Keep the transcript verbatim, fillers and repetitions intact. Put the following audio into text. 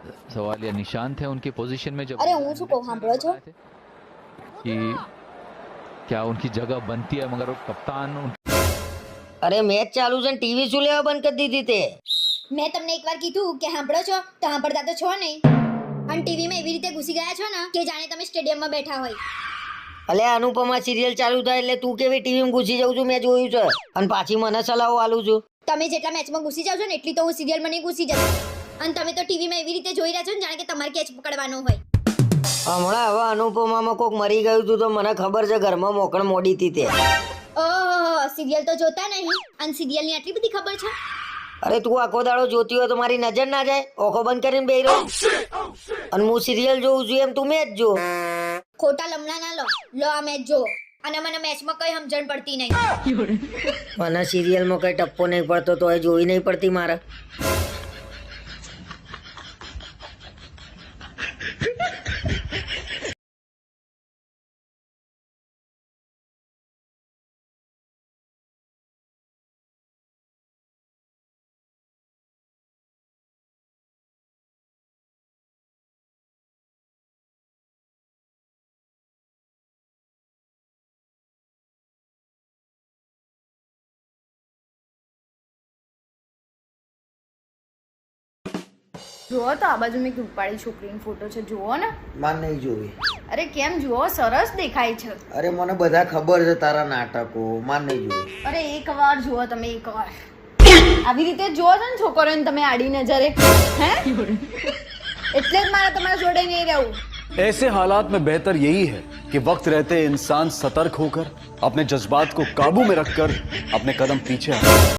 सवाल या निशान थे उनकी पोजीशन में जब अरे હું શું કહું સાંભળો છો कि क्या उनकी जगह बनती है मगर वो कप्तान उन... अरे मैच चालू છે ટીવી શું લેવા બંધ કરી દીધી તે? મેં તમને એકવાર કીધું કે સાંભળો છો તો સાંભળતા તો છો નહીં અને ટીવીમાં એવી રીતે ઘૂસી ગયા છો ને કે જાણે તમે સ્ટેડિયમમાં બેઠા હોય. અલે અનુપમા સિરિયલ ચાલુ થાય એટલે તું કેવી ટીવીમાં ઘૂસી જાઉં છું મેં જોયું છે અને પાછી મને સલાહો આલું છું. તમે જેટલા મેચમાં ઘૂસી જાવ છો ને એટલી તો હું સિરિયલમાં નહીં ઘૂસી જતી અને તમે તો ટીવીમાં એવી રીતે જોઈ રહ્યા છો ને જાણે કે તમારે કેચ પકડવાનો હોય. હમણાં હવે અનુપમામાં કોક મરી ગયું હતું તો મને ખબર છે ઘરમાં મોકળ મોડી હતી તે. ઓહો સિરિયલ તો જોતા નહીં અને સિરિયલની આટલી બધી ખબર છે. અરે તું આખો દાડો જોતી હોય તો મારી નજર ના જાય? ઓખો બંધ કરીને બેહી રહો અને હું સિરિયલ જોઉં છું એમ તું મેચ જો. ખોટા લમણા ના લો લો આ મેચ જો અને મને મેચમાં કઈ સમજણ પડતી નહીં. મને સિરિયલમાં કઈ ટપ્પો નહીં પડતો તો એ જોઈ નહીં પડતી મારે. જુઓ તો આ બાજુ મેં એક રૂપાળી છોકરીનો ફોટો છે, જુઓ ને. માન નહીં જોવી. અરે કેમ, જુઓ સરસ દેખાય છે. અરે મને બધા ખબર છે તારા નાટકો, માન નહીં જોવી. અરે એક વાર જુઓ તમે, એક વાર આવી રીતે જુઓ છો ને છોકરીઓને તમે આડી નજરે, હે એટલે જ મારે તમારા જોડે નહીં રહેવું. ऐसे हालात में बेहतर यही है कि वक्त रहते इंसान सतर्क होकर अपने जज्बात को काबू में रखकर अपने कदम पीछे हटाए.